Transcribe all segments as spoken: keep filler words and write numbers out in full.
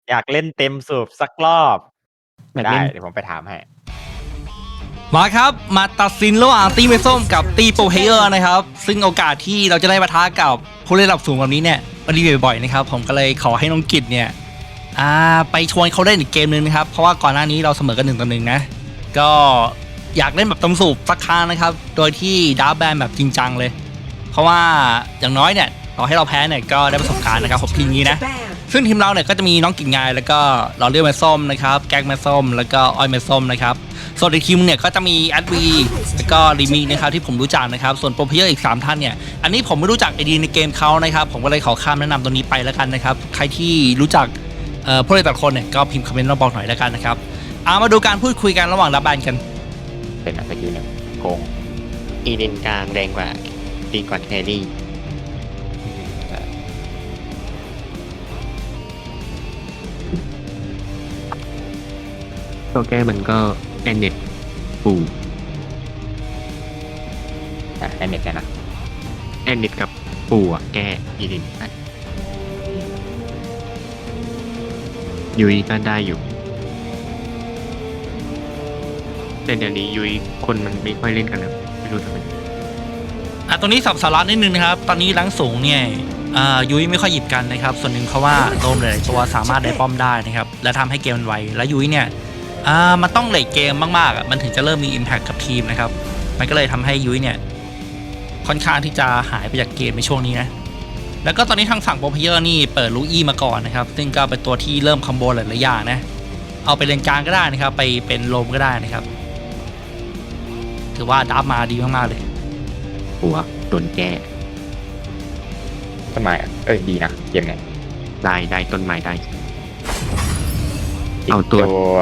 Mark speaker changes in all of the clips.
Speaker 1: อยากเล่นเต็มสูบสักรอบได้เดี๋ยวผมไปถามให้
Speaker 2: มาครับมาตัดสินระหว่างตีเมส้มกับตีโปรเพเยอร์นะครับซึ่งโอกาสที่เราจะได้ปะทะกับผู้เล่นระดับสูงแบบนี้เนี่ยมันมีบ่อยๆนะครับผมก็เลยขอให้น้องกิจเนี่ยอ่าไปชวนเขาเล่นอีกเกมนึงนะครับเพราะว่าก่อนหน้านี้เราเสมอกันหนึ่งต่อหนึ่งนะก็อยากเล่นแบบตำสูบสักครั้งนะครับโดยที่ดาร์ฟแบนแบบจริงจังเลยเพราะว่าอย่างน้อยเนี่ยต่อให้เราแพ้เนี่ยก็ได้ประสบการณ์นะครับผมทีมนี้นะซึ่งทีมเราเนี่ยก็จะมีน้องกิ่งงายแล้วก็เราเลือกแม่ส้มนะครับแก๊กแม่ส้มแล้วก็อ้อยแม่ส้มนะครับส่วนในทีมเนี่ยก็จะมีแอดวีแล้วก็ลิมินะครับที่ผมรู้จักนะครับส่วนโปรเพเยอร์อีกสามท่านเนี่ยอันนี้ผมไม่รู้จักไอดีในเกมเขานะครับผมก็เลยขอข้ามแนะนำตัวนี้ไปแล้วกันนะครับใครที่รู้จักเอ่อผู้เล่นแต่ละคนเนี่ยก็พิมพ์คอมเมนต์มาบอกหน่อยแล้วกันนะครับเอามาดูการพูดคุยกันระหว่างดับแบนกัน
Speaker 1: เป็นสกิลหนึ่งโกง
Speaker 3: อีเลนกลางแรงกว่าตีก่อนแครี่ตัวแก้มันก็แอนเน็ตปู
Speaker 1: อ่ะแอนเน็ตนะ
Speaker 3: แอนเน็ตกับปูอ่ะแก้อีเลนยุยก็ได้อยู่แต่เดี๋ยวนี้ยุยคนมันไม่ค่อยเล่นกันแล้วไม่รู้ทำไม
Speaker 2: อ่ะตรงนี้สับสาระนิดนึงนะครับตอนนี้ลังสูงเนี่ยอ่ายุ้ยไม่ค่อยหยิบกันนะครับส่วนหนึ่งเพราะว่าโดมหลายตัวสามารถได้ป้อมได้นะครับและทำให้เกมมันไวและยุ้ยเนี่ยอ่ามันต้องเลทเกมมากๆอ่ะมันถึงจะเริ่มมี impact กับทีมนะครับมันก็เลยทำให้ยุ้ยเนี่ยค่อนข้างที่จะหายไปจากเกมในช่วงนี้นะแล้วก็ตอนนี้ทางฝั่งโปรเพเยอร์นี่เปิดลูอี้มาก่อนนะครับซึ่งก็เป็นตัวที่เริ่มคอมโบหลายๆอย่างนะเอาไปเลนกลางก็ได้นะครับไปเป็นโลมก็ได้นะครับถือว่าดับมาดีมากๆเลย
Speaker 3: หัวโดนแก้
Speaker 1: ต้นไม้เอ้ยดีนะเกมเนี้ย
Speaker 3: ได้ได้ต้นไม้ได้
Speaker 1: เอาตัว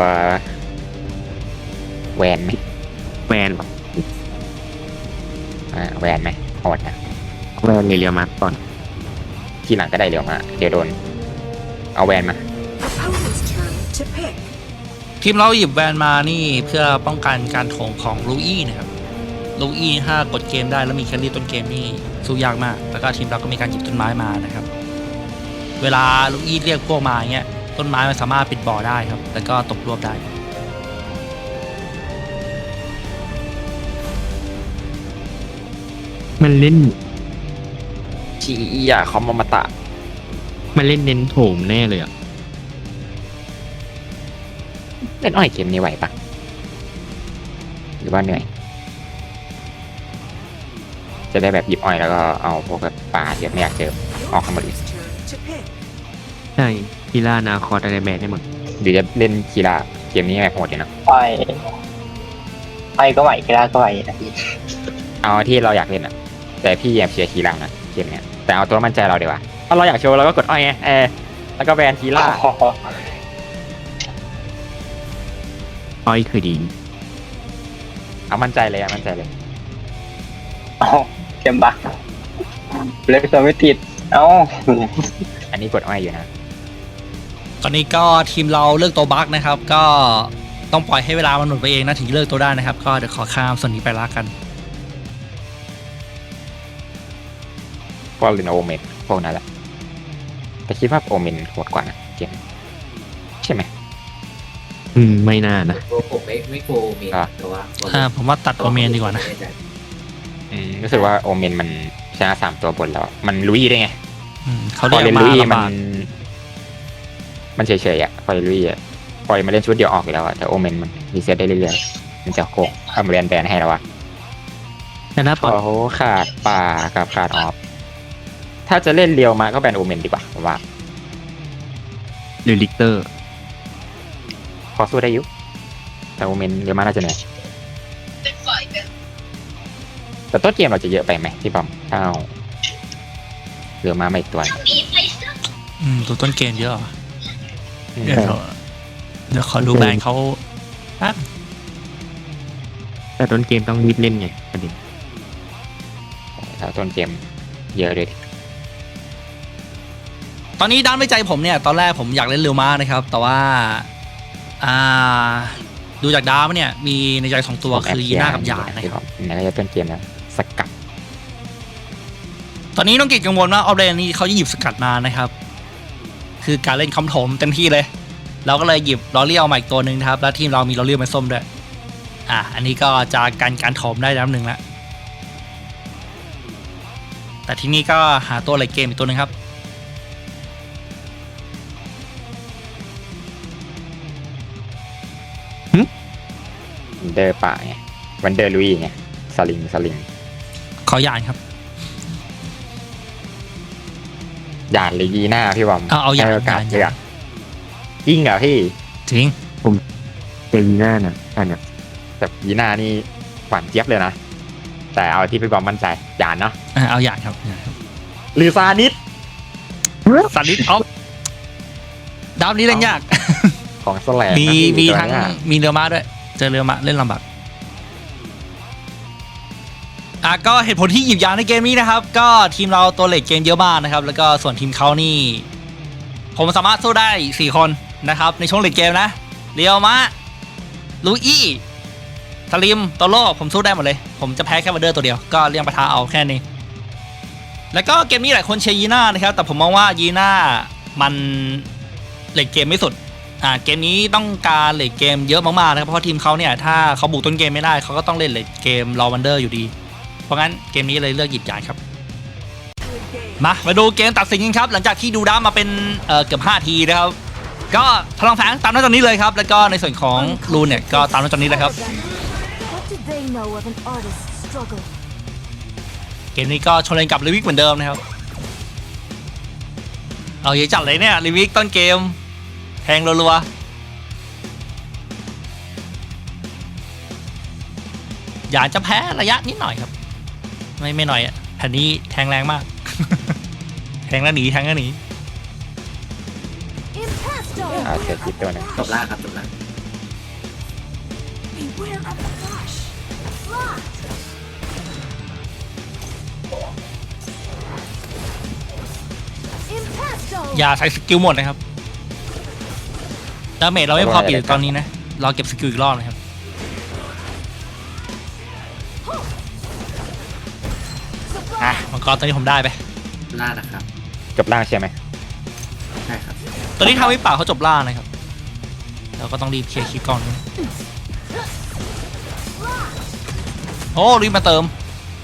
Speaker 1: แวนไหม
Speaker 3: แวน
Speaker 1: อ่าแวนไหมโหดนะ
Speaker 3: แวนเรียวมาก่อน
Speaker 1: ทีหลังก็ได้เรียวมาเดี๋ยวโดนเอาแวนมา
Speaker 2: ทีมเราหยิบแวนมานี่เพื่อป้องกันการโถงของลูอี้นะครับลูอี้ถ้ากดเกมได้แล้วมีแครี่ต้นเกมนี่สู้ยากมากแล้วก็ทีมเราก็มีการหยิบต้นไม้มานะครับเวลาลูอี้เรียกพวกมาอย่างเงี้ยต้นไม้มันสามารถปิดบ่อได้ครับแล้วก็ตกรวบได้
Speaker 3: มันเล่น
Speaker 1: ชีอยาคอมมาตะ
Speaker 3: มันเล่นเน้นโถมแน่เลยอ่ะ
Speaker 1: เล่นอ้อยเกมนี้ไหวปะหรือว่าเหนื่อยจะได้แบบหยิบอ้อยแล้วก็เอาพวกแบบปลาที่ไม่อยากเจอออกข้างบน
Speaker 3: ใช่กีฬานาคอร์อะไรแบนได้หมด
Speaker 1: หรือจะเล่นกีฬาเกมนี้แบบโหดอยู่นะ
Speaker 4: ไปไปก็ไหวกีฬาก็ไหวนะพี่
Speaker 1: เอาที่เราอยากเล่นอ่ะแต่พี่อยากเชียร์กีฬานะเกมเนี้ยแต่เอาตัวมั่นใจเราดีกว่าถ้าเราอยากโชว์เราก็กดอ้อยไงเออแล้วก็แบนกีฬา
Speaker 3: อ้อยคือดี
Speaker 1: เอามั่นใจเลยอ่ะมั่นใจเลย
Speaker 4: อ๋อเกมบักเล่นตัวไม่ติดเอ้า
Speaker 1: อันนี้กดอ้อยอยู่นะ
Speaker 2: ตอนนี้ก็ทีมเราเลือกตัวบั๊กนะครับก็ต้องปล่อยให้เวลามันหมดไปเองนะถึงเลือกตัวได้นะครับก็เดี๋ยวขอข้ามส่วนนี้ไปละกัน
Speaker 1: พวกลินโอเมนพวกนั้นแหละแต่คิดว่าโอเมนโหดกว่านะเกมใช่ไหม
Speaker 3: อืมไม่น่านะ
Speaker 5: ผมไม่ไม่โกเมนแต่ว่า
Speaker 2: อ่าผมว่าตัดโอเมนดีกว่านะ
Speaker 1: อืมรู้สึกว่าโอเมนมันชนะสามตัวบนแล้วมันลุยได้ไง
Speaker 2: เขาเล่
Speaker 1: นลุยมันมันเฉยๆอ่ะพอลุยอ่ะพอมาเล่นชุดเดียวออกแล้วอ่ะแต่โอเมนมันรีเซ็ตได้เรื่อยๆมันจะโกงทำแบนแบนให้แล้วอ่ะ
Speaker 3: แต่ถ้า
Speaker 1: พอเขาขาดป่ากับขาดออฟถ้าจะเล่นเรียวมาก็แบนโอเมนดีกว่าผมว่า
Speaker 3: หรือลิกเตอร์
Speaker 1: พอสู้ได้ยุแต่โอเมนเรียวมาน่าจะเหนื่อยแต่ต้นเกมเราจะเยอะไปไหมพี่บอมถ้าเอาเรือมาไม่ตัว
Speaker 2: อืมตัวต้นเกมเยอะเดี๋ยวเดี๋ยวขอดูแบนเขาแป๊บ
Speaker 3: แต่ต้นเกมต้องรีบเล่นไงประเด็น
Speaker 1: ถ้าต้นเกมเยอะเลย
Speaker 2: ตอนนี้ด้านในใจผมเนี่ยตอนแรกผมอยากเล่นเรือม้านะครับแต่ว่าอ่าดูจากดาวเนี่ยมีในใจสองตัวคือยีน่ากับยานะครับ
Speaker 1: ในระยะต้นเกมแล้วสกัด
Speaker 2: ตอนนี้น้องกิจกังวลว่าออฟเลนนี่เขาจะหยิบสกัดมานะครับคือการเล่นคำโถมเต็มที่เลยเราก็เลยหยิบลอเรียลมาอีกตัวหนึ่งนะครับแล้วทีมเรามีลอเรียลเป็นส้มด้วยอ่ะอันนี้ก็จะกันการโถมได้แล้วหนึ่งละแต่ที่นี่ก็หาตัวเลดเกมอีกตัวหนึ่งครับ
Speaker 1: วันเดอร์ป่าไงวันเดอร์ลุยไงสลิงสลิง
Speaker 2: ขอหยานครับ
Speaker 1: หยาดหรือยีน่าพี่บอม
Speaker 2: เอาเอาหยาด
Speaker 1: ให้โอกาส
Speaker 2: หยาด
Speaker 1: เลือกยิ่งเหรอพี่
Speaker 2: จริง
Speaker 3: เป็นหน้าน่ะอันเนี้ย
Speaker 1: แต่ยีน่านี่หวานเจี๊ยบเลยนะแต่เอาที่พี่บอมมั่นใจหยาดเนาะ
Speaker 2: อ่ะเอาหยานครับหยาดครับ
Speaker 1: หรือซานิส
Speaker 2: สันนิษท็อปดาวนี้เล่นยาก
Speaker 1: ของแสลง
Speaker 2: มี
Speaker 1: นะพี่
Speaker 2: มี
Speaker 1: ตัว
Speaker 2: ทั้ง
Speaker 1: เนี้ย
Speaker 2: มีเรือม้าด้วยเจอเรือม้าเล่นลำบากอ่ะก็เหตุผลที่หยิบยานในเกมนี้นะครับก็ทีมเราตัวเลดเกมเยอะมากนะครับแล้วก็ส่วนทีมเขานี่ผมสามารถสู้ได้สี่คนนะครับในช่วงเลดเกมนะเรียวมะลูอี้ทาริมโตโร่ผมสู้ได้หมดเลยผมจะแพ้แค่วันเดอร์ตัวเดียวก็เลี่ยงปะทะเอาแค่นี้แล้วก็เกมนี้หลายคนเชียร์ยีน่านะครับแต่ผมมองว่ายีน่ามันเลดเกมไม่สุดอ่าเกมนี้ต้องการเลดเกมเยอะมากๆนะครับเพราะว่าทีมเขาเนี่ยถ้าเขาบุกต้นเกมไม่ได้เขาก็ต้องเล่นเลดเกมรอวันเดอร์อยู่ดีเพราะงั้นเกมนี้เลยเลือกหยิบยานครับมามาดูเกมตัดสินกันครับหลังจากที่ดูด้ามาเป็นเอ่อเกือบห้าทีนะครับก็พลังแฝงตามหน้าจอนี้เลยครับแล้วก็ในส่วนของรูนเนี่ยก็ตามหน้าจอนี้เลยครับ
Speaker 6: What did they know of an artist's struggle?
Speaker 2: เกมนี้ก็ชนเลนกับลิวิกเหมือนเดิมนะครับเอาเยอะจัดเลยเนี่ยลิวิกต้นเกมแทงรัวๆอยากจะแพ้ระยะนิดหน่อยครับไม่ไม่หน่อยอ่ะแผ่นนี้แทงแรงมาก แทงแล้วหนีแทงแล้วหนี
Speaker 6: Impasto!
Speaker 1: อ่าเสียคิดตัวหนึง
Speaker 5: จบล่างครับจบล่าง
Speaker 6: Beware of the flash! Locked! Impasto!
Speaker 2: อย่าใช้สกิลหมดนะครับดาเมจเราไม่พอปิดตอนนี้นะรอเก็บสกิลอีกรอบนะครับอ่ะมังกรตอนนี้ผมได้ไป
Speaker 5: ล่างนะครับ
Speaker 1: จบล่างใช่ไหม
Speaker 5: ใช่ครับ
Speaker 2: ตอนนี้ทางวิป่าเขาจบล่านะครับเราก็ต้องรีบเคลียร์คลิปก่อนนะโอ้รีบมาเติม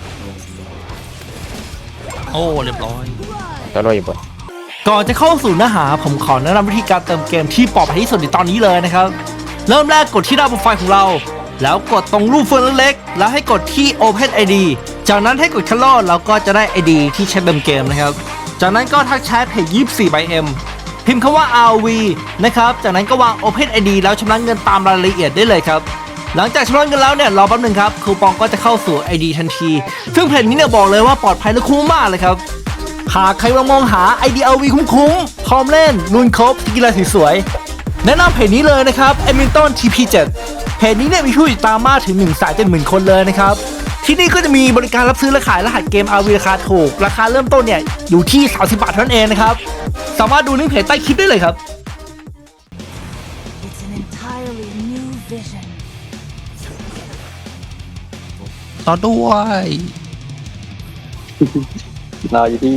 Speaker 2: โอ้เรียบร้อย
Speaker 1: ตัวโรยอยู่บน
Speaker 2: ก่อนจะเข้าสู่เนื้อหาผมขอแนะนำวิธีการเติมเกมที่ปลอดภัยที่สุดในตอนนี้เลยนะครับเริ่มแรกกดที่หน้าโปรไฟล์ของเราแล้วกดตรงรูปเฟืองเล็กๆแล้วให้กดที่ Open ไอ ดี จากนั้นให้กดคัลเลอร์แล้วก็จะได้ ไอ ดี ที่ใช้เติมเกมนะครับจากนั้นก็ทักแชทเพจยี่สิบสี่ by M พิมพ์คำว่า อาร์ วี นะครับจากนั้นก็วาง Open ไอ ดี แล้วชำระเงินตามรายละเอียดได้เลยครับหลังจากชำระเงินแล้วเนี่ยรอแป๊บนึงครับคูปองก็จะเข้าสู่ ไอ ดี ทันทีซึ่งเพจนี้เนี่ยบอกเลยว่าปลอดภัยและคุ้มมากเลยครับหากใครกำลังมองหา ไอ ดี อาร์ วี คุ้มๆพร้อมเล่นรุนครบกีฬาสวยๆแนะนำเพจนี้เลยนะครับ เอมินตัน ที พี เจ็ด เพจนี้เนี่ยมีผู้ติดตามมากถึง หนึ่งแสนเจ็ดหมื่น คนเลยนะครับที่นี่ก็จะมีบริการรับซื้อและขายรหัสเกม อาร์ วี ราคาถูกราคาเริ่มต้นเนี่ยอยู่ที่สามสิบบาทเท่านั้นเองนะครับสามารถดูลิงก์เพจใต้คลิปได้เลยครับ
Speaker 6: It's an entirely new vision.
Speaker 2: ต่อด้วย
Speaker 4: รออยู่ที่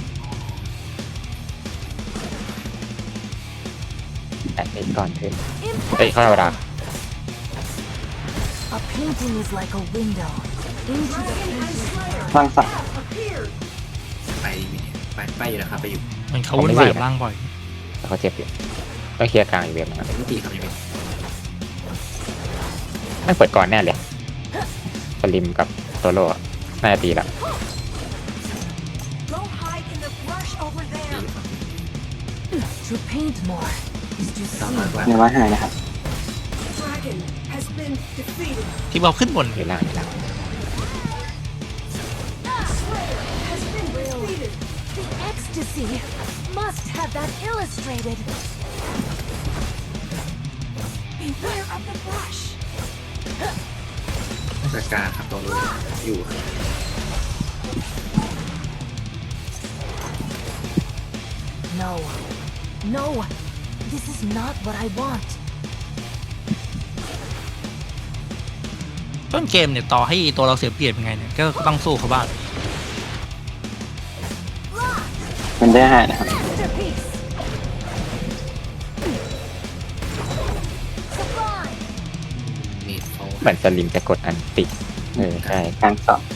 Speaker 1: แอดมินก่อนขึ้นเอ้ยเข้าเวลา
Speaker 6: A painting is like a window into the painter's
Speaker 4: ฟังสัก
Speaker 5: ไปไปไปอยู่นะครับไปอยู่
Speaker 2: เหมือนเขาวุ่นวายกับร่างบ่อย
Speaker 1: แล้วเขาเจ็บอยู่ต้องเคลียร์กลางอีกเว็บนะครับ
Speaker 5: ไม่ตีครับยังไม่
Speaker 1: ไม่เปิดก่อนแน่เลยสลิมกับโตโร่อะน่าจะตีแล้ว
Speaker 6: Go hide in the brush over there. To paint more is to
Speaker 5: ต่อ
Speaker 6: see.
Speaker 5: มากกว่า
Speaker 4: เนื้อไม้หายนะครับ
Speaker 6: Dragon has been defeated.
Speaker 2: ที่บอกขึ้นบน
Speaker 1: อยู่ล่างอยู่ล่าง
Speaker 6: Has been defeated. The ecstasy must have that illustrated. Beware of the brush.
Speaker 5: จัดการครับตัวรู้อยู่ครับ
Speaker 6: No. No. This is not what I want.
Speaker 2: ต้นเกมเนี่ยต่อให้ตัวเราเสียเปรียบยังไงเนี่ยก็ต้องสู้เขาบ้าง
Speaker 4: มันได้หายนะครับ
Speaker 6: Masterpiece.
Speaker 1: เหมือนสลิมจะกดอันติเออใช่
Speaker 4: กลางสอง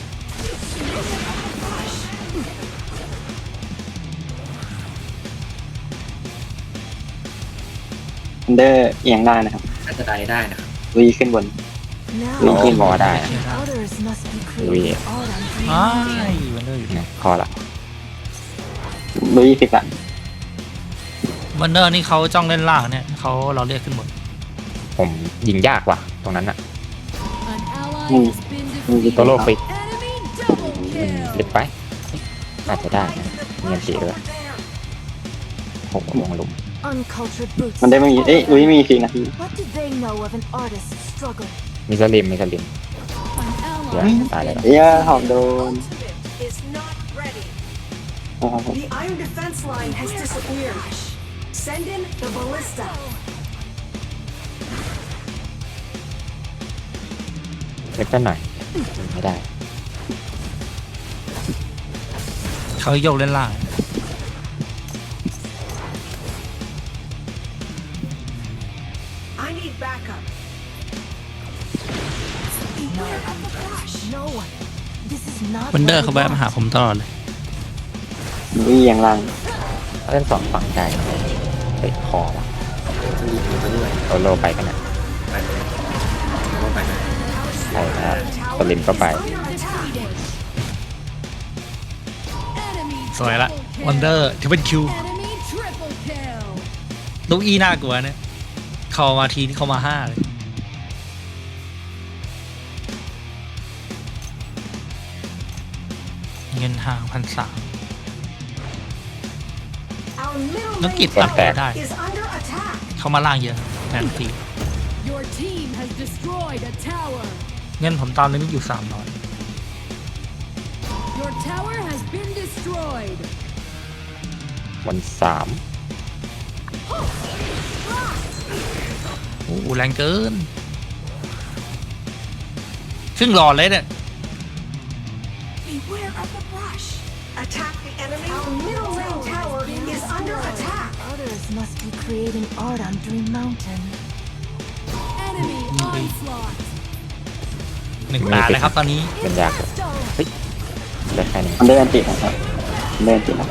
Speaker 4: อันเดอร์เอียงได้นะครับ
Speaker 5: น่าจะได้ได้นะครับ
Speaker 4: ลุยขึ้นบน
Speaker 6: Now
Speaker 1: โอ้คอได้
Speaker 6: others must be
Speaker 1: Lui.
Speaker 6: creating art on
Speaker 2: อ้า
Speaker 6: dreams.
Speaker 2: ยวันเดอร์อยู่
Speaker 1: นะคอละ
Speaker 4: ลุยสิบละ
Speaker 2: วันเดอร์นี่เขาจ้องเล่นล่างเนี่ยเขาเราเรียกขึ้นบน
Speaker 1: ผมยิงยากว่ะตรงนั้นอะ
Speaker 6: An ally
Speaker 4: อืม
Speaker 6: has been
Speaker 4: มึง
Speaker 6: defeated.
Speaker 1: โตโลฟิก
Speaker 6: Enemy double
Speaker 1: เล็
Speaker 6: kill.
Speaker 1: บไปน่าจะได้นะเงียบสีด้วยโอ้โหลงหลุม
Speaker 6: Uncultured brutes.
Speaker 4: มันได้ไม่มีเอ้ยลุยมีสี่นาที
Speaker 6: What do they know of an artist's struggle?
Speaker 1: มีสลิมมีสลิม
Speaker 6: An
Speaker 1: เดี๋ยว
Speaker 6: ally has
Speaker 1: ตายเลย
Speaker 6: been
Speaker 4: เอ้ยหอมโดน
Speaker 7: Ultimate is not ready.
Speaker 4: โอ้โห
Speaker 7: The iron defense line has disappeared. Send in the ballista.
Speaker 1: เล็กกันหน่อยไม่ได้
Speaker 2: เขาโยกเล่นล่าง
Speaker 7: I need backup.
Speaker 6: no one. This is not
Speaker 2: วันเดอ
Speaker 6: what
Speaker 2: ร์
Speaker 6: I
Speaker 2: เขาแวะมาหา
Speaker 6: want.
Speaker 2: ผมตลอดเลย
Speaker 4: ลุยเอียงล่าง
Speaker 1: เล่นสองฝั่งได้เฮ้ยคอว่ะ
Speaker 5: รีบไปด้วย
Speaker 1: โตโลไปกันนะ
Speaker 5: ไปไปแล้วก็ไปนะ
Speaker 1: ใช่ครับสลิมก็ไป
Speaker 6: Enemy
Speaker 2: สวยละวันเดอร์ที่เป็นคิว
Speaker 6: Enemy triple kill.
Speaker 2: ลูกอีน่ากลัวเนี่ยเขามาทีนี่เขามาห้าเลยเงินห่างพันสาม
Speaker 7: Our middle
Speaker 2: นักกิจ
Speaker 7: lane
Speaker 2: ตัดต่อได้
Speaker 7: is under attack.
Speaker 2: เขามาล่างเยอะแทนที
Speaker 6: Your team has destroyed a tower.
Speaker 2: เงินผมตามเลยไม่อยู่สามร้อย
Speaker 6: Your tower has been destroyed.
Speaker 1: วันสาม
Speaker 2: โอ้โหแรงเกิน ซึ่งหลอดเลยเนี่ย
Speaker 7: Beware of the brush. Attack the enemy. Our middle lane tower is under attack.
Speaker 6: Others must be creating art on Dream Mountain. Enemy onslaught.
Speaker 2: หนึ่งตาเลยครับตอนนี้
Speaker 1: เป็นยากเลยเฮ้ยได้แค่นี้
Speaker 4: อันเดอร์อันตินะครับอันเดอร์อันตินะ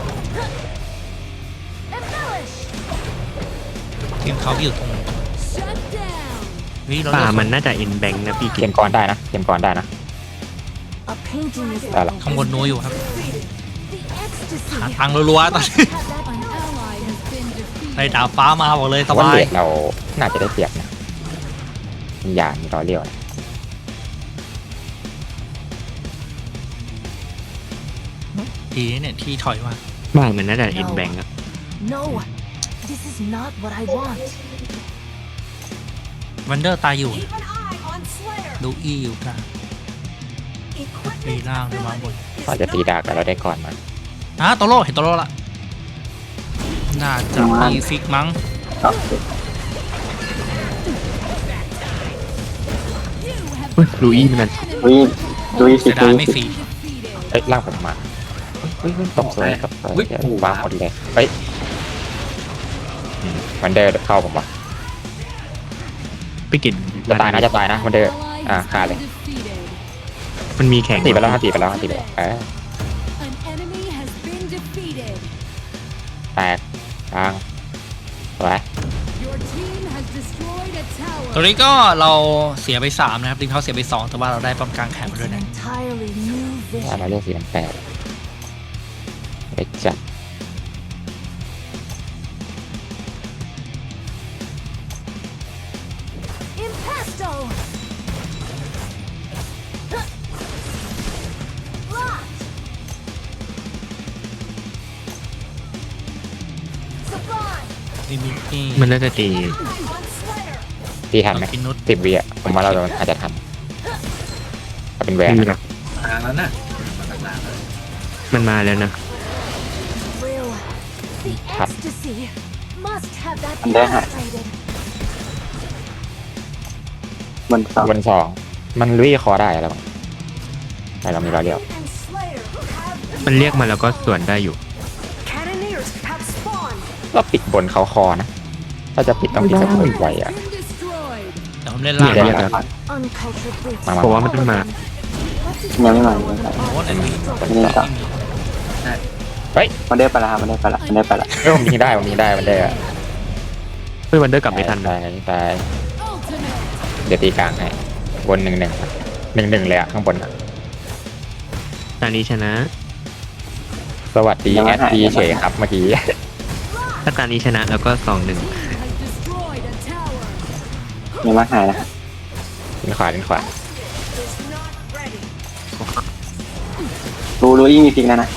Speaker 6: Embellish.
Speaker 2: ทีมเขาอยู่ตรง
Speaker 6: Shut down.
Speaker 2: วิเรา
Speaker 3: ป่า
Speaker 2: เลือก
Speaker 3: มันน่าจะเอ็นแบงค์นะพี่
Speaker 1: เก
Speaker 3: กิน
Speaker 1: มก่อนได้นะเกมก่อนได้นะ
Speaker 6: A painting is
Speaker 1: ได้ละ
Speaker 2: ข้างบนนัวอยู่ครับ
Speaker 6: the ecstasy.
Speaker 2: หาทางรัวๆตอนนี้
Speaker 6: An ally has been defeated.
Speaker 2: ในดาบฟ้ามาบอกเลยส
Speaker 1: ว่า
Speaker 2: บา
Speaker 1: เล
Speaker 2: ย
Speaker 1: ดเราน่าจะได้เปรียบนะมียานมีรอเลี้ยวนะ
Speaker 2: ดีนะเนี่ยที่ถอยมา
Speaker 3: บ้านมันน่าจะเอ็นแบงค์อะ
Speaker 6: No, this is not what I want.
Speaker 2: วันเดอร์ตายอยู่
Speaker 7: Keep an eye on Slayer.
Speaker 2: ลูกอีอยู่กลาง
Speaker 7: Equipment
Speaker 2: ตีล่างไปวางบน
Speaker 7: ability
Speaker 1: ก็
Speaker 7: is
Speaker 1: จะตี
Speaker 7: not
Speaker 1: ดาบแล้วเราได้ก่อนมา
Speaker 2: อ่ะโตโร่เห็นโตโร่ละน่าจะมีฟิกมั้ง
Speaker 4: ครับ
Speaker 3: เฮ้ยลูอี้มัน
Speaker 4: ลุยลุยสิ
Speaker 2: เสี
Speaker 4: บ
Speaker 2: ยดา
Speaker 4: ลุ
Speaker 2: ย
Speaker 4: ย
Speaker 2: ไม่
Speaker 4: สิบ
Speaker 2: ฟรี
Speaker 1: เอ้ยล่างผมมาเฮ้ยเฮ้ยตกสวยครับเฮ้ยเดี๋ยววางหมดเลยเฮ้ยอืมวันเดอร์เข้าผมว่ะ
Speaker 3: พี่กิน
Speaker 1: จะตายนะจะตายนะวันเดอร์ อ่าขาดเลย
Speaker 6: Defeated.
Speaker 3: มันมีแข่ง
Speaker 1: ตีไปแล้วตีไปแล้วตีไปแล้วเออ
Speaker 6: An enemy has been defeated.
Speaker 1: แตกกลางสวย
Speaker 6: Your team has destroyed a
Speaker 2: ตรง
Speaker 6: tower.
Speaker 2: นี้ก็เราเสียไปสามนะครับทีมเขาเสียไปสองแต่ว่าเราได้ป้อมกลางแข่งมา
Speaker 6: It's
Speaker 2: ด้วย
Speaker 6: an
Speaker 2: นะ
Speaker 6: entirely new
Speaker 1: ว่าเรา
Speaker 6: vision.
Speaker 1: เลือกสีน้ำแปดไปจัด
Speaker 6: Impasto. Locked. Sublime.
Speaker 2: ลิมิตี้
Speaker 3: มันน่าจะตี
Speaker 7: on Slayer.
Speaker 1: ตีทันไหม
Speaker 2: กินนุช
Speaker 1: สิบวิอ่ะผมว่าเราอาจจะทันถ้าเป็นแหวน
Speaker 3: ไม่มีหร
Speaker 1: นะ
Speaker 3: อก
Speaker 5: ทางแล้วนะมาต่างๆแล้ว
Speaker 3: มันมาแล้วนะ
Speaker 6: Thrill. The ecstasy must have that
Speaker 4: Anh để hả?
Speaker 6: illustrated.
Speaker 4: บนสอง
Speaker 1: บนสองมันลุยคอได้แล้วมั้งแต่เรามีรอเลี้ยว
Speaker 7: And Slayer have
Speaker 3: มันเรียกมาแล้วก็ส่วนได้อยู่
Speaker 7: Cannoneers have spawned.
Speaker 1: ก็ปิดบนเขาคอนะ ถ้าจะปิดต้องปิดแบบไวๆอ่ะ
Speaker 6: Been destroyed.
Speaker 2: เดี๋ยวผมเล่นล่าง
Speaker 3: เดี๋ยวเดี๋ยว
Speaker 6: Uncultured brutes.
Speaker 1: มามา
Speaker 3: ผมว่ามันต้องมา
Speaker 4: ยังไม่มายังไม่มา
Speaker 2: โอ้ยอันนี้
Speaker 4: ไม่ได้ต่อ
Speaker 1: เฮ้ย
Speaker 4: มันได้ไปแล้วครับมันได้ไปแล้วมันได้ไปแล้ว
Speaker 1: เฮ้ยผมยิงได้ผมยิงได้มันได้อะ
Speaker 3: เฮ้ยวันเดอร์กลับไม่ทัน
Speaker 1: ตายตายเดี๋ยวตีกลางให้บนหนึ่งหนึ่งหนึ่งหนึ่งเลยอะข้างบนอะ
Speaker 3: ตอนนี้ชนะ
Speaker 1: สวัสดีแอดดีเฉยครับเมื่อกี้
Speaker 3: ถ้าตอนนี้ชนะแล้วก็สองหนึ่ง
Speaker 6: Has destroyed a tower.
Speaker 4: ยังมาหายนะ
Speaker 1: ดินขวาดินขวา
Speaker 7: Is not ready.
Speaker 4: รู้รู้ยิ่งมีฟิกแล้วนะ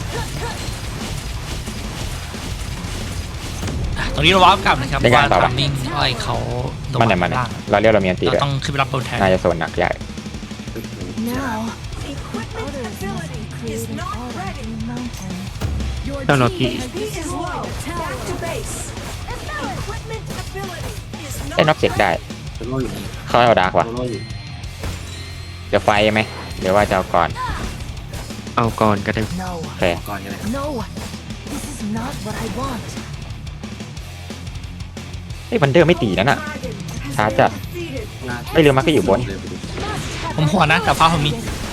Speaker 2: ตรงนี้เราวาร์ปกลับนะครับว่าทำนิ่งไล่เขาโด
Speaker 1: มันไหนมันไหน
Speaker 2: ล่าง
Speaker 1: เราเรียกเรามีอันตี
Speaker 2: เรา
Speaker 1: ด้วย
Speaker 2: ต้องขึ้นไปรับโดนแทน
Speaker 1: น่าจะโซนหนักใหญ่
Speaker 6: Now,
Speaker 7: Equipment
Speaker 6: others must be
Speaker 7: ability is
Speaker 6: creating
Speaker 7: not
Speaker 6: order
Speaker 7: ready.
Speaker 6: in the mountain.
Speaker 7: Your
Speaker 3: No, no,
Speaker 7: team
Speaker 3: he-
Speaker 7: has destroyed a tower. Back to base. Equipment ability is
Speaker 1: ได้น็อก
Speaker 7: not
Speaker 1: เจ็กได้
Speaker 5: โซโล่อยู่นี่
Speaker 1: เขาเอาดาร์กว่ะ
Speaker 5: โซโล่อยู่
Speaker 1: จะไฟไหมหรือว่าจะเอาก่อน
Speaker 3: เอาก่อนก็ได้
Speaker 6: No,
Speaker 1: โอเค
Speaker 5: ก่อนกันเลยครับ
Speaker 6: no. This is not what I want.
Speaker 1: ไอ้ยวันเดอร์ไม่ตีนั่นน่ะ
Speaker 7: Dragon has
Speaker 1: ช้า
Speaker 7: been
Speaker 1: จัด
Speaker 7: defeated.
Speaker 1: ไม่ลืมมาก็อยู่บน
Speaker 5: เลยไปดู
Speaker 2: ผมหัวนะแต่ฟ้าผมมี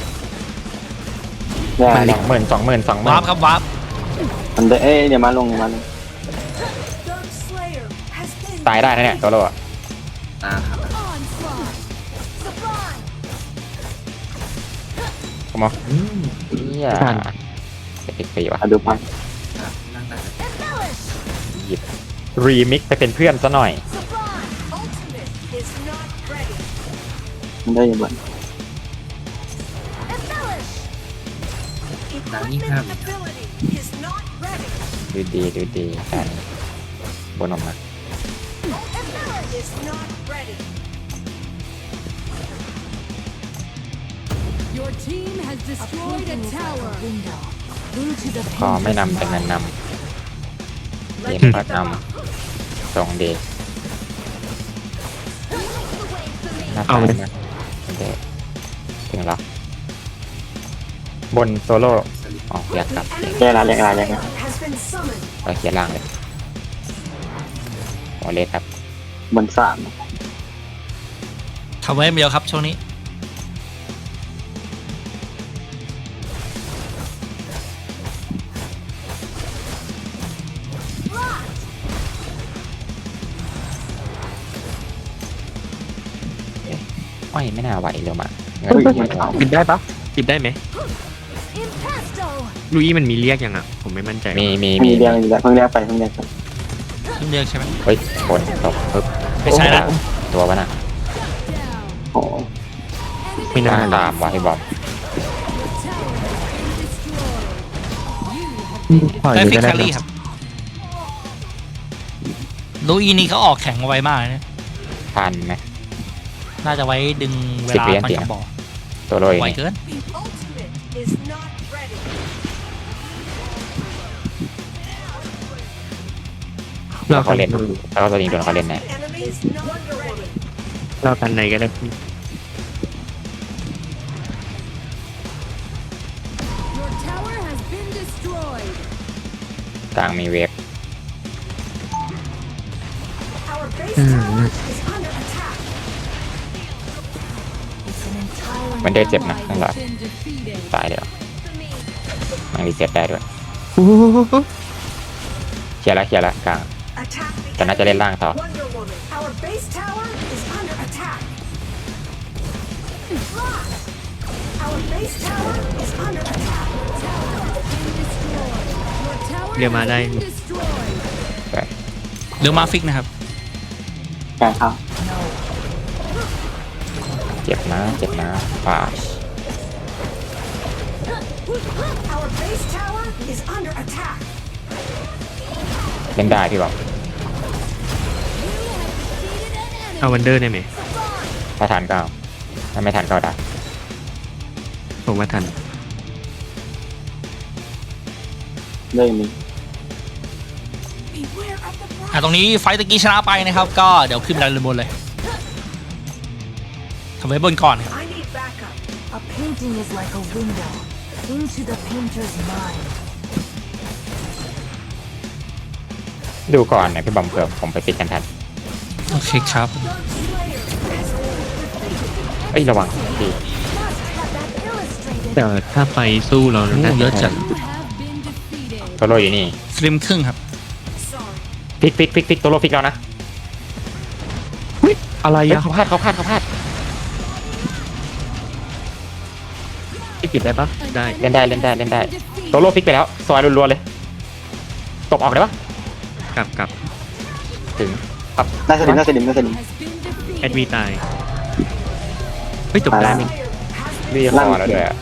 Speaker 4: เนี่ย
Speaker 1: สองหมื่นสองหมื่นสองหมื่
Speaker 2: วาน ร์ปครับวาร์ป
Speaker 4: มันได้เอ้ยเดี๋ยวมาลงเดี๋ยวมาลง
Speaker 7: Dark Slayer has been
Speaker 1: ตายได้นะเนี่ยตัวโลอะ
Speaker 5: ตาครับ
Speaker 6: Onslaught. Sublime.
Speaker 1: ผมเอา
Speaker 5: อืม
Speaker 1: เฮียจะติดปีวะ
Speaker 4: เอาดูปั๊บ
Speaker 5: ครับนั่งได้
Speaker 6: Embellish.
Speaker 1: หยิบรีมิกไปเป็นเพื่อนซะหน่อย
Speaker 6: Sublime.
Speaker 7: ultimate is not ready.
Speaker 4: มันได้อยู่บน
Speaker 6: Embellish.
Speaker 7: Equipment ability is not ready.
Speaker 1: ดูดีดูดีกันบนออกมา
Speaker 7: Is not ready.
Speaker 6: Your team has destroyed a tower. Window. Into the
Speaker 1: พอไม่นำแต่เงินนำเกมพัดนำส่งดีน่าตายนะโอเคถึงแล้วบนโซโล่อ๋ออยากกลับ
Speaker 4: แก้ละเรียกอะไรเรียกอะไร
Speaker 7: Has been summoned.
Speaker 1: ไปเคลียร์ล่างเลยหัวเล็กครับ
Speaker 4: บนสาม
Speaker 2: ทำไว้เดียวครับช่วงนี้
Speaker 1: อ้อยไม่น่าไหวเร็วมาเงิน
Speaker 4: เฮ้ย
Speaker 1: ไม่ไหว
Speaker 3: ปิดได้ปะปิดได้ไหม
Speaker 6: Impasto.
Speaker 3: ลุยมันมีเรียกยังอ่ะ ผมไม่มั่นใจ
Speaker 1: มีมี
Speaker 4: มี
Speaker 1: มี
Speaker 4: เรียงอยู่แล้วเพิ่งเรียกไปเพิ่งเรียกไป
Speaker 2: เพิ่งเรียกใช่ไหม
Speaker 1: เฮ้ยฝนตกปึ๊บ
Speaker 2: ไม่ใช่ละ
Speaker 1: ตัววะน่ะ
Speaker 4: โอ้โห
Speaker 3: ไม่น่า
Speaker 1: ตามวะให้บอก
Speaker 3: ปล่อย
Speaker 2: ได้
Speaker 3: เลย
Speaker 2: ฟิก
Speaker 3: ก็
Speaker 2: แค
Speaker 3: ได้
Speaker 2: รี่ครับลูอีนี่เขาออกแข็งมาไวมากเลยนะ
Speaker 1: ทันไหม
Speaker 2: น่าจะไว้ดึงเว
Speaker 1: สิบ
Speaker 2: ลา
Speaker 1: เหรียญ
Speaker 2: มัน
Speaker 1: เสีย
Speaker 2: กระบอก
Speaker 1: ตัวโรย
Speaker 2: ไว
Speaker 1: นี่
Speaker 2: เกิน
Speaker 7: The ultimate is not ready.
Speaker 1: เราเขาเล่นแล้วก็ตัวนี้โดนเขาเล่นแน่
Speaker 7: Enemy is not ready.
Speaker 3: เรากันไหนก็ได้
Speaker 6: Your tower has been destroyed.
Speaker 1: กลางมีเวฟ
Speaker 7: Our base tower is under attack.
Speaker 6: It's an entire
Speaker 1: มันเดินเจ็บนะข้างหลัง
Speaker 6: been defeated.
Speaker 1: ตายเดี๋ยวมันรีเซ็ตได้ด้วยเคลียร์แล้วเคลียร์แล้วกลาง
Speaker 7: Attack the
Speaker 1: แต่น่าจะเล่นล่างต่อ
Speaker 7: Wonder Woman. Our base tower is under attack. Our base tower is under attack.
Speaker 6: Your tower
Speaker 3: เรียกมาได้
Speaker 6: has been destroyed.
Speaker 2: เรือมาฟิกนะครับ
Speaker 4: แก้เข้า
Speaker 1: เจ็บนะเจ็บนะป่า
Speaker 7: Our base tower is under attack.
Speaker 1: เล่นได้พี่บอก
Speaker 3: เอาวันเดอร์ได้ไหม
Speaker 1: ถ้าทันก็เอาถ้าไม่ทันก็ได้
Speaker 3: ผมว่าทัน
Speaker 4: เรื่องนี้
Speaker 7: Beware of the
Speaker 2: อ่ะตรงนี้ไฟต์ตะกี้ชนะไปนะครับ ก็เดี๋ยวขึ้นไปด้านบนเลยทำไว้บนก่อนครับ
Speaker 7: I need backup.
Speaker 6: A painting is like a window into the painter's mind.
Speaker 1: ดูก่อนนะพี่บอมเผื่อผมไปปิดกันทัน
Speaker 2: โอเคครับ
Speaker 7: Dark Slayer has
Speaker 1: เอ้ยระวังดี
Speaker 6: Must have that illustrated.
Speaker 3: แต่ถ้าไปสู้เรา
Speaker 2: โอ้
Speaker 3: น่า
Speaker 2: เยอะจัด
Speaker 1: โตโรอยู่นี่
Speaker 2: สลิมครึ่งครับ
Speaker 1: ฟิกฟิกฟิกฟิกโตโรฟิกแล้วนะ
Speaker 3: อะไร
Speaker 1: เฮ้ย
Speaker 3: อะ
Speaker 1: เขาพลาดเขาพลาดเขาพลาด
Speaker 3: ที่ปิดได้ปะได้
Speaker 1: เล่นได้เล่นได้เล่นได้โตโรฟิกไปแล้วซอยรัวๆเลยตบออกได้ปะ
Speaker 3: กลับกลับ
Speaker 1: ถึง
Speaker 4: หน้าสลิมหน้าสลิมหน้าสลิม
Speaker 3: แอดวีตายเฮ้ยจบได้ไหม
Speaker 1: รีคอแล้วด้วยอะ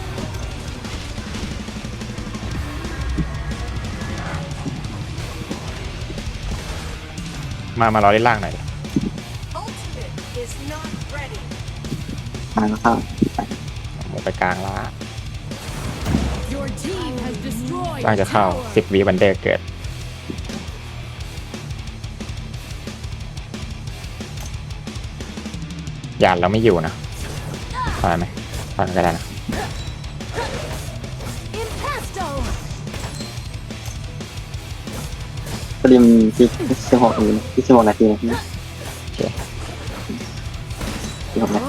Speaker 1: มามารอเล่นล่างหน่อยดิ
Speaker 7: Ultimate is not ready.
Speaker 4: ทางเข้า
Speaker 1: หมูไปกลางล่าง
Speaker 6: Your team has destroyed
Speaker 1: ล่างจะเข้าสิบวิวันเดอร์เกิดหยาดเราไม่อยู่นะถอยไหมถอยก็ได้นะ
Speaker 6: Impasto.
Speaker 4: สลิมที่สิบหกนาทีที่สิบหกนาทีนะพี่
Speaker 1: โอเค
Speaker 4: สิบหกนาที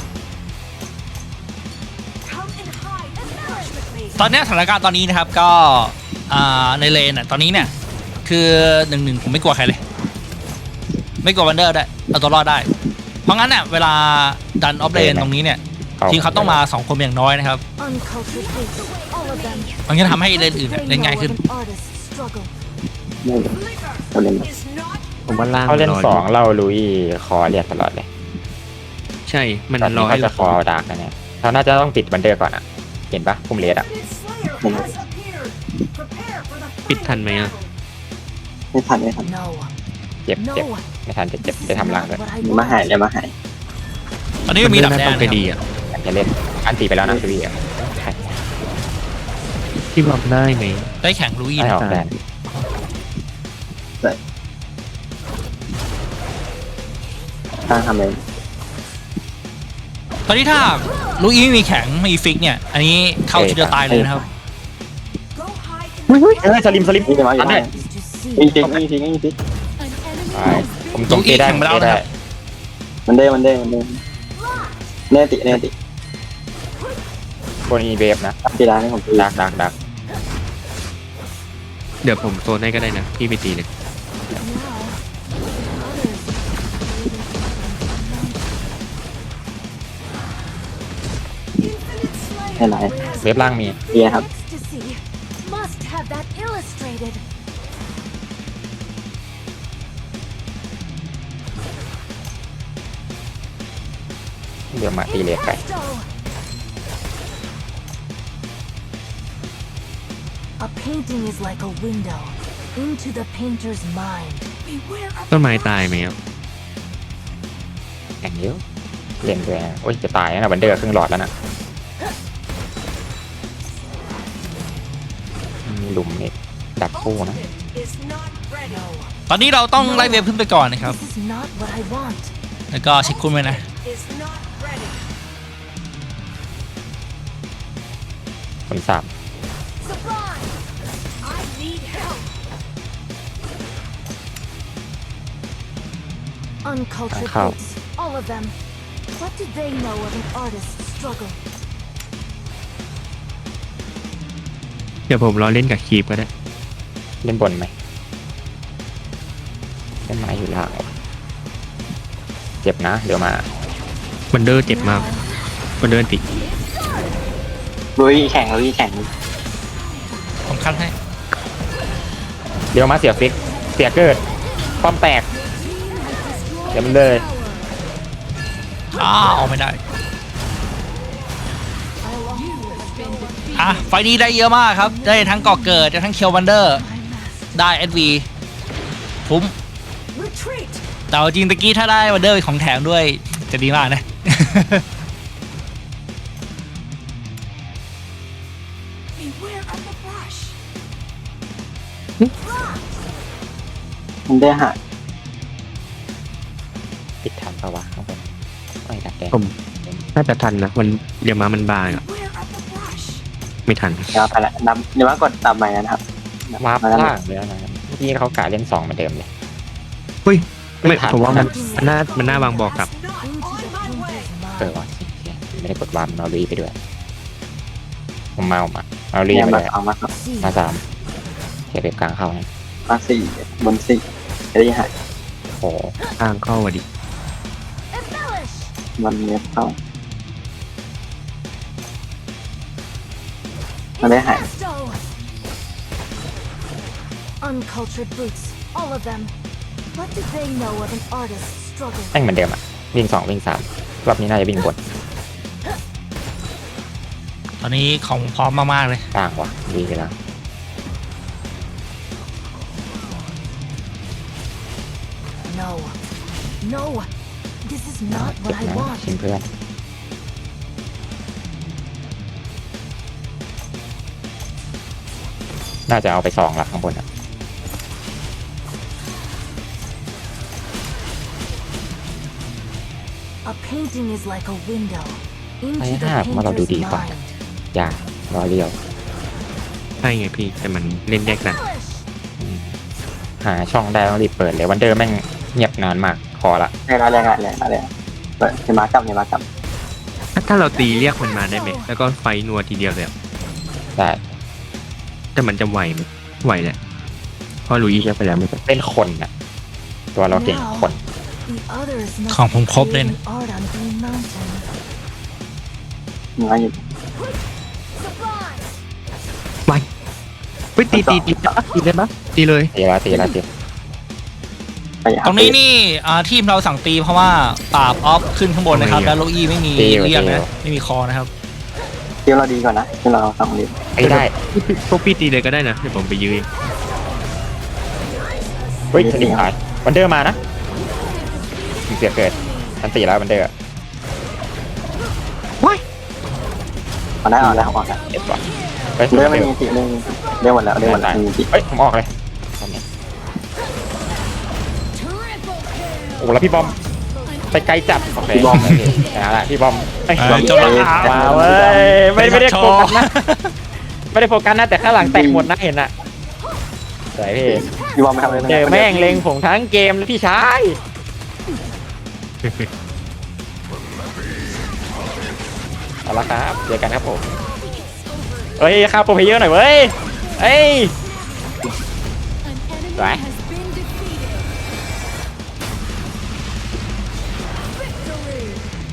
Speaker 7: Come and hide and rush with me.
Speaker 2: ตอนเนี้ยสถานการณ์ตอนนี้นะครับก็อ่าในเลนอ่ะตอนนี้เนี่ยคือหนึ่งหนึ่งผมไม่กลัวใครเลย ไม่กลัววันเดอร์ได้เอาตัวรอดได้ เพราะงั้นเนี่ยเวลาดันออฟเลนตรงนี้เนี่ยทีมเขาต้องมาสองคนอย่างน้อยนะครับ
Speaker 6: Uncultured beasts. All of them.
Speaker 2: มันจะทำให้เลนอื่นเนี่ย
Speaker 6: They
Speaker 2: เล่น
Speaker 6: know
Speaker 2: ง่าย
Speaker 6: of
Speaker 2: ขึ้น
Speaker 6: an artist's struggle.
Speaker 4: ไม่เลยสลิม
Speaker 7: Is not
Speaker 3: ผมว่าล่าง
Speaker 1: เขาเล่น
Speaker 3: ร
Speaker 1: สอง
Speaker 3: ยู่
Speaker 1: เราลุยคอเรียกตลอดเลย
Speaker 3: ใช่มัน
Speaker 1: ตอน
Speaker 3: ร
Speaker 1: นี้
Speaker 3: อให้
Speaker 1: เขาจะ
Speaker 3: เรา
Speaker 1: คอดาร์กนะเนี่ยเราน่าจะต้องปิดวันเดอร์ก่อนอ่ะเห็นปะพุ่มเลสอ่ะ
Speaker 7: Slayer has appeared. Prepare for the
Speaker 3: ปิดทันไหมอะ
Speaker 4: ไม่ทันไม่ทัน
Speaker 6: No.
Speaker 1: เจ็บ
Speaker 6: No.
Speaker 1: เจ็บไม่ทันจะเจ็บจะทำรังด้วย
Speaker 6: What I
Speaker 4: มาหาย
Speaker 6: want.
Speaker 4: เลยมาหาย
Speaker 2: ตอนนี้มันมีดับแด
Speaker 3: ต้
Speaker 2: น
Speaker 3: องไป
Speaker 2: นะครับ
Speaker 3: ดีอะ
Speaker 1: อันจะเล่นอันตีไปแล้วนะลุยอ่ะใช่
Speaker 3: ที่บอกได้ไหม
Speaker 2: ได้แข่งลุย
Speaker 1: ไม่
Speaker 2: นะ
Speaker 1: ออกแดน
Speaker 4: ทางทำเอง
Speaker 2: ตอนนี้ถ้าลุยไม่มีแข่งไม่มีฟิกเนี่ย อันนี้เข้าทีเดียวตายเลยนะครับ
Speaker 7: go hide in
Speaker 1: เฮ้ยเฮ้ยสลิมสลิม
Speaker 4: นี่จะมาอยู่
Speaker 1: อัน
Speaker 4: ไหน
Speaker 1: นี้
Speaker 6: Is to see.
Speaker 4: มีฟิกมีฟิกมีฟิก
Speaker 1: ใช่ผมจงตีได้
Speaker 2: แข่ง
Speaker 1: ผม
Speaker 2: ไปแล้ว
Speaker 1: ตี
Speaker 2: นะ
Speaker 1: ได้
Speaker 2: ครับ
Speaker 4: มันเด้มันเด้มันเด้เนติเนติ
Speaker 1: คนอีเวฟนะ
Speaker 4: ตีร้านให้ผมตี
Speaker 1: ดักดักดัก
Speaker 3: เดี๋ยวผมโซนให้ก็ได้นะพี่ไปตีเลย
Speaker 4: ให้ไหน
Speaker 1: เวฟล่างมี
Speaker 4: เบียร์ครับ
Speaker 6: Ecstasy. Must have that illustrated.
Speaker 1: เดี๋ยวมาตีเลสไป
Speaker 6: Impasto. A painting is like a window into the painter's mind.
Speaker 7: beware of
Speaker 3: ต้นไม้ตายไหมครับ
Speaker 1: แข่งเยอะเล่นด้วยนะโอ้ยจะตายแล้วนะวันเดอร์ครึ่งหลอดแล้วนะมีหลุมนี่ดักคู่นะ
Speaker 7: is not ready.
Speaker 2: ตอนนี้เราต้องไล่เวฟขึ้นไปก่อนนะครับ
Speaker 6: This is not what I want.
Speaker 2: แล้วก็เช็คคุณไว้นะ
Speaker 7: Is not ready.
Speaker 1: คนสาม
Speaker 7: Surprise! I need help.
Speaker 6: Uncultured
Speaker 1: How?
Speaker 6: beasts. All of them. What did they know of an artist's struggle?
Speaker 3: เดี๋ยวผมรอเล่นกับคีปก็ได้
Speaker 1: เล่นบนไหมเล่นไม้อยู่ล่างเหรอเจ็บนะเดี๋ยวมา
Speaker 3: วันเดอร์เจ็บมากวันเดอร์ติ
Speaker 4: ลุยแข่งลุยแข่ง
Speaker 2: ผมคัดให้
Speaker 1: เดี๋ยวมาเสียฟิกเสียเกิดป้อมแตกเดี๋ยวมันเลย
Speaker 2: อ้าวเอาไม่ได้ อ่ะ ไฟล์นี้ได้เยอะมากครับ ได้ทั้งก่อเกิดได้ทั้งเคียววันเดอร์ ได้เอสวีคุ้ม
Speaker 7: Retreat.
Speaker 2: แต่เอาจริงตะกี้ถ้าได้วันเดอร์ของแถมด้วย จะดีมากนะ
Speaker 7: Beware of the brush.
Speaker 4: มันได้หาย
Speaker 1: ปิดทันปะวะข้างบนไม่ดักแดง
Speaker 3: ผมน่าจะทันนะมันเดี๋ยวมามันบางอะ
Speaker 7: Beware of the brush.
Speaker 3: ไม่ทัน
Speaker 4: เดี๋ยวไปละนำเดี๋ยวว่ากดตามใหม่นะครับ
Speaker 1: วาร์ป
Speaker 4: มาแล้ว
Speaker 1: ล่างเลยนะเมื่อกี้เขากะเล่นสองเหมือนเดิมเลย
Speaker 3: เฮ้ยไม่
Speaker 1: ไม่ทัน
Speaker 3: ผมว่ามันมันน่ามันน่าวางบอกกลับ
Speaker 7: Is not
Speaker 6: Into
Speaker 7: on
Speaker 6: the
Speaker 7: my way.
Speaker 6: painter's
Speaker 1: เออ
Speaker 6: mind.
Speaker 1: วะสิไม่ได้กดวาร์ปมารีไปด้วยผมเมามามารี
Speaker 4: เนี่ย
Speaker 1: มา
Speaker 4: แบ
Speaker 1: เล
Speaker 4: บ
Speaker 1: ย
Speaker 4: เอามาครับ
Speaker 6: See,
Speaker 1: มาสามเก็บเว็บกลางเข้านะ
Speaker 4: มาสี่บนสี่จะได้หาย
Speaker 1: โอ้
Speaker 3: ทางเข้าวะดิ
Speaker 6: embellish.
Speaker 4: มันเนี้ยเข้ามันได้หาย
Speaker 6: Presto. Uncultured brutes, all of them. What do they know of an artist's struggle?
Speaker 1: แม่งเหมือนเดิมอ่ะวิ่งสองวิ่งสามรอบนี้น่าจะวิ่งบน
Speaker 2: ตอนนี้ของพร้อมมากๆเลย
Speaker 1: ต่างว่ะดีไปแล้ว
Speaker 6: No, no, this is not
Speaker 1: เจ็
Speaker 6: what
Speaker 1: บ
Speaker 6: I
Speaker 1: นะ
Speaker 6: want.
Speaker 1: ชิมเพื่อนน่าจะเอาไปสองละข้างบนอ่ะ
Speaker 6: A painting is like a window
Speaker 1: ไอ้
Speaker 6: into the
Speaker 1: ห้าผมว่าเราดู
Speaker 6: painter's
Speaker 1: ดีกว่า
Speaker 6: mind.
Speaker 1: อย่า รอเรียว
Speaker 3: ใช่ไงพี่แต่มันเล่นแยกกัน
Speaker 6: Embellish.
Speaker 1: อืมหาช่องได้ต้องรีบเปิดเลยวันเดอร์แม่งเงียบนานมากพอละ
Speaker 4: แรงอะไรแรงอะไรอะไรเปิดเฮมากับเฮมากับ
Speaker 3: ถ้าถ้าเราตีเรียกมันมาได้ไหมแล้วก็ไฟนัวทีเดียวเลยอะ
Speaker 1: ได้
Speaker 3: แต่มันจะไหวไหมไหวแหละเพราะลุยเรียกไปแล้วไม่เป็น
Speaker 1: เป็นคนน่ะ ตัวเราเก่งคน
Speaker 6: The others must
Speaker 2: ของผม
Speaker 6: be
Speaker 2: ครบเลยนะ
Speaker 6: creating art on Green Mountain.
Speaker 4: เนื้ออยู่
Speaker 6: Sublime.
Speaker 3: ไหวเฮ้ยตีตีตีตีได้ปะตีเลย
Speaker 1: ตีละตีละตี
Speaker 4: ไปหา
Speaker 2: ตรงนี้นี่อ่าทีมเราสั่งตีเพราะว่าปราบออฟขึ้นข้างบนนะครับ แล้วโลอี้ไม่มีเรียกนะไม่มีคอนะครับ
Speaker 4: เที่ยวเราดีกว่านะที่เราสองดี
Speaker 1: ไอ้ได้
Speaker 3: พวกพี่ตีเลยก็ได้นะเดี๋ยวผมไปยืน
Speaker 1: เฮ้ยสนิทหายวันเดอร์มานะมีเสียเกิดทันตีแล้ววันเดอร์
Speaker 4: เอาได้เอาได้ออกได้
Speaker 1: เจ็บว่ะเฮ้ย
Speaker 4: เรื่องไม่มีสิเรื่องเรื่องหมดแล้วเรื่องหมดแล้วมีสิ
Speaker 1: เฮ้ยผมออกเลยตอนนี้
Speaker 6: Triple
Speaker 1: โอ้แล้วพี่บอมไปไกลจัดโอเค
Speaker 4: พี่บอม
Speaker 1: โเคชนะละพี่บอมเอ้ย
Speaker 2: เออจบแล้วครับ
Speaker 1: มาเว้ยไม่ไม่ได้โฟกัสนะไม่ได้โฟกัสนะแต่ข้างหลังแตกหมดนะเห็นอะสวยพี่
Speaker 4: พี่บอลไม่ทำอะไร
Speaker 1: เจอแม่งเล็งผมทั้งเกมเลยพี่ชายเอาละครับเจอกันครับผมเฮ้ยข้าวโปรเพเยอร์หน่อยเว้ยเอ้ย
Speaker 6: An enemy
Speaker 1: Right.
Speaker 6: has been defeated. Victory.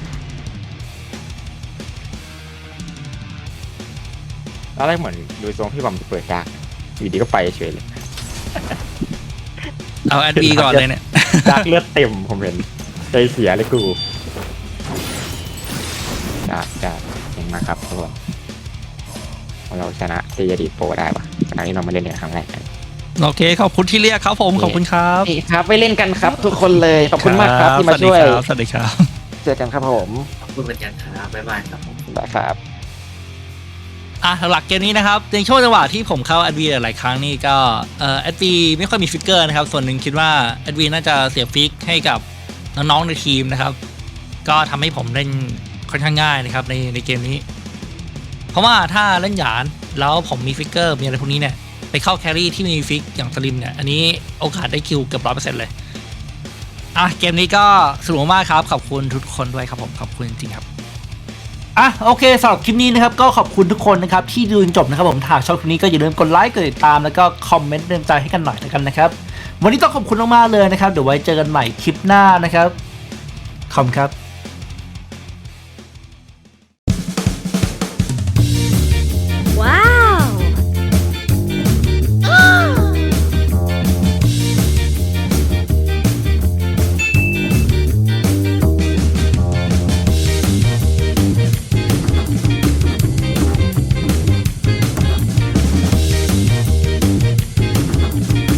Speaker 1: ตอนแรกเหมือนดูทรงพี่บอมจะเปิดดาร์กอยู่ดีก็ไปเฉยเลย
Speaker 2: เอาแอดบีก่อนเลยเนี่ย
Speaker 1: ดาร์กเลือดเต็มผมเห็นใจเสียเลยกูดาร์กดาร์กเก่งมากครับทุกคนเราชนะเจดีโปรได้ปะขณะที่เรามาเล่นในครั้งแรกกัน
Speaker 2: โอเคขอบคุณที่เรียกครับผมขอบคุณครับ
Speaker 1: นี่ครับไปเล่นกันครับทุกคนเลยขอบคุณมากครับที่มาช่วย
Speaker 2: สวัสดีครับ
Speaker 1: เจอกันครับผม
Speaker 5: ขอบคุณเหมือนกันครับบ๊ายบายครับผม
Speaker 1: ได้ครับ
Speaker 2: อ่ะหลักเกมนี้นะครับในช่วงจังหวะที่ผมเข้าแอดวีหลายๆครั้งนี่ก็เอ่อแอดวีไม่ค่อยมีฟิกเกอร์นะครับส่วนหนึ่งคิดว่าแอดวีน่าจะเสียฟิกให้กับน้องๆในทีมนะครับก็ทำให้ผมเล่นค่อนข้างง่ายนะครับในในเกมนี้ เพราะว่าถ้าเล่นหยานแล้วผมมีฟิกเกอร์มีอะไรพวกนี้เนี่ยไปเข้าแครี่ที่มีฟิกอย่างสลิมเนี่ยอันนี้โอกาสได้คิวเกือบร้อยเปอร์เซ็นต์เลยอ่ะเกมนี้ก็สนุกมากครับขอบคุณทุกคนด้วยครับผมขอบคุณจริงๆครับอ่ะโอเคสำหรับคลิปนี้นะครับก็ขอบคุณทุกคนนะครับที่ดูจนจบนะครับผมหากชอบคลิปนี้ก็อย่าลืมกดไลค์กดติดตามแล้วก็คอมเมนต์เตือนใจให้กันหน่อยแล้วกันนะครับวันนี้ต้องขอบคุณมากๆเลยนะครับเดี๋ยวไว้เจอกันใหม่คลิปหน้านะครับขอบคุณครับ